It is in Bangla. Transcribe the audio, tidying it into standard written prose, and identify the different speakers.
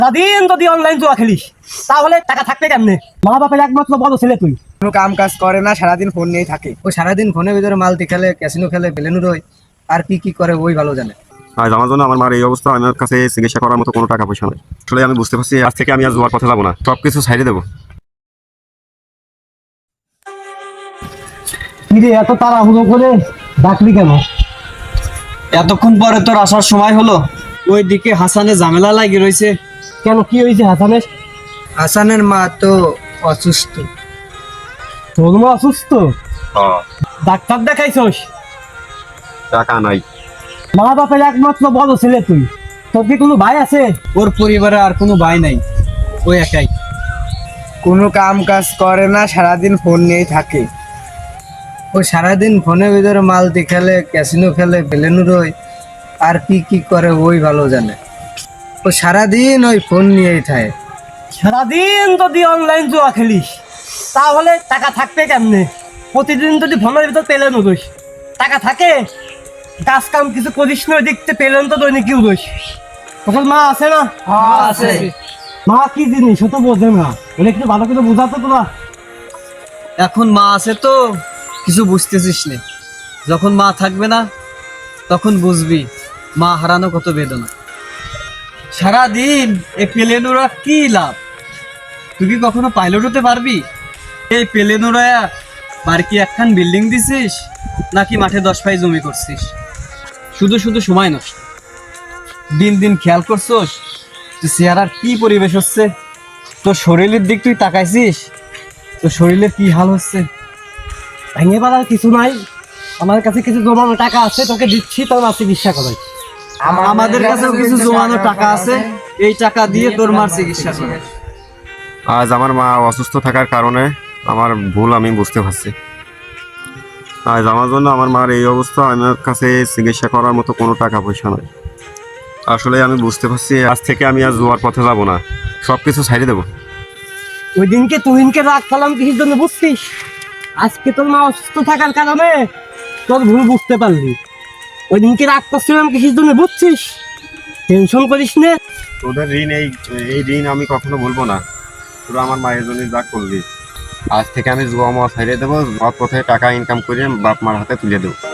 Speaker 1: সারাদিন যদি অনলাইন জুয়া খেলিস তাহলে টাকা থাকবে কেমনে? মা বাপের একমাত্র বড় ছেলে তুই,
Speaker 2: কোনো কাম কাজ করে না, সারাদিন ফোন নিয়েই থাকে। ও সারাদিন ফোনের ভিতরে মালতি খেলে, ক্যাসিনো খেলে, বেলেনু রয়, আর কি কি করে ওই ভালো জানে।
Speaker 3: আজ আমার জন্য আমার মার এই অবস্থা, আমার কাছে চিকিৎসা করার মতো কোনো টাকা পয়সা নেই। আসলে আমি বুঝতে পারছি আজ থেকে আমি আর জুয়ার পথে যাবো না, সবকিছু ছাইড়ে দেবো।
Speaker 1: কিরে এত তাড়াহুড়ো করে ডাকলি কেন?
Speaker 4: এতক্ষণ পরে তোর আসার সময় হলো। ওইদিকে হাসানে ঝামেলা লাগি রয়েছে।
Speaker 1: কেন, কি হয়েছে হাসানের?
Speaker 2: হাসানের মা তো অসুস্থ।
Speaker 1: তোর মা অসুস্থ? ডাক্তার দেখাইছস?
Speaker 3: টাকা নাই।
Speaker 1: মা বাপের একমাত্র বড় ছেলে তুই, তোর কি কোনো ভাই আছে?
Speaker 4: ওর পরিবারে আর কোনো ভাই নাই, ওই একাই।
Speaker 2: কোনো কাম কাজ করে না, সারাদিন ফোন নিয়েই থাকে। ও সারাদিন ফোনের ভিতরে মালতি খেলে, ক্যাসিনো খেলে, বেলেনু রয়, আর কি কি করে ওই ভালো জানে। ও সারাদিন ওই ফোন নিয়েই থাকে।
Speaker 1: সারাদিন যদি অনলাইন জুয়া খেলিস তাহলে টাকা থাকবে কেমনে? প্রতিদিন যদি ফোনের ভিতর পেলেন উদোস, টাকা থাকে? কাজ কাম কিছু করিস না, দেখতে পেলেন তো দৈনিক কি উদোস। তখন মা আছে না?
Speaker 4: আছে।
Speaker 1: মা কি জিনিস ও তো বোঝে না, বলে একটু ভালো করে বোঝাতো তোরা।
Speaker 4: এখন মা আছে তো কিছু বুঝতেছিস না, যখন মা থাকবে না তখন বুঝবি মা হারানো কত বেদনা। সারাদিন এই প্লেনোরা কি লাভ? তুই কি কখনো পাইলট হতে পারবি? এই প্লেনোরা বাড়ি কি একখান বিল্ডিং দিছিস, নাকি মাঠে 10 পাই জমি করছিস? শুধু শুধু সময় নষ্ট। দিন দিন খেয়াল করছোস তুই চেহারার কি পরিবেশ হচ্ছে? তোর শরীরের দিক তুই তাকাইছিস? তোর শরীরের কি হাল হচ্ছে?
Speaker 1: ভেঙে পাড়ার কিছু নাই, আমার কাছে কিছু জমানো টাকা আছে, তোকে দিচ্ছি, তোর মা চিকিৎসা করাই।
Speaker 4: আমাদের কাছেও কিছু জমানো টাকা আছে, এই টাকা দিয়ে তোর মার চিকিৎসা করে।
Speaker 3: আজ আমার মা অসুস্থ থাকার কারণে আমার ভুল আমি বুঝতে পারছি। আজ আমার জন্য আমার মার এই অবস্থা, আমার কাছে চিকিৎসা করার মতো কোনো টাকা পয়সা নাই। আসলে আমি বুঝতে পারছি আজ থেকে আমি আর জুয়ার পথে যাবো না, সবকিছু ছাইড়ে দেবো।
Speaker 1: ওই দিনকে তুহিনকে রাগ পেলাম কিসের জন্য বুঝছিস? আজকে তোর মা অসুস্থ থাকার কারণে তোর ভুল বুঝতে পারলি। ওই দিনকে রাগ করছিলাম কিসের জন্য বুঝছিস? টেনশন করিস না।
Speaker 3: তোদের ঋণ এই ঋণ আমি কখনো বলবো না। তোরা আমার মায়ের জন্য যা করলি, আজ থেকে আমি জুয়া মা ছাইড়ে দেবো, সৎ পথে টাকা ইনকাম করে বাপ মার হাতে তুলে দেবো।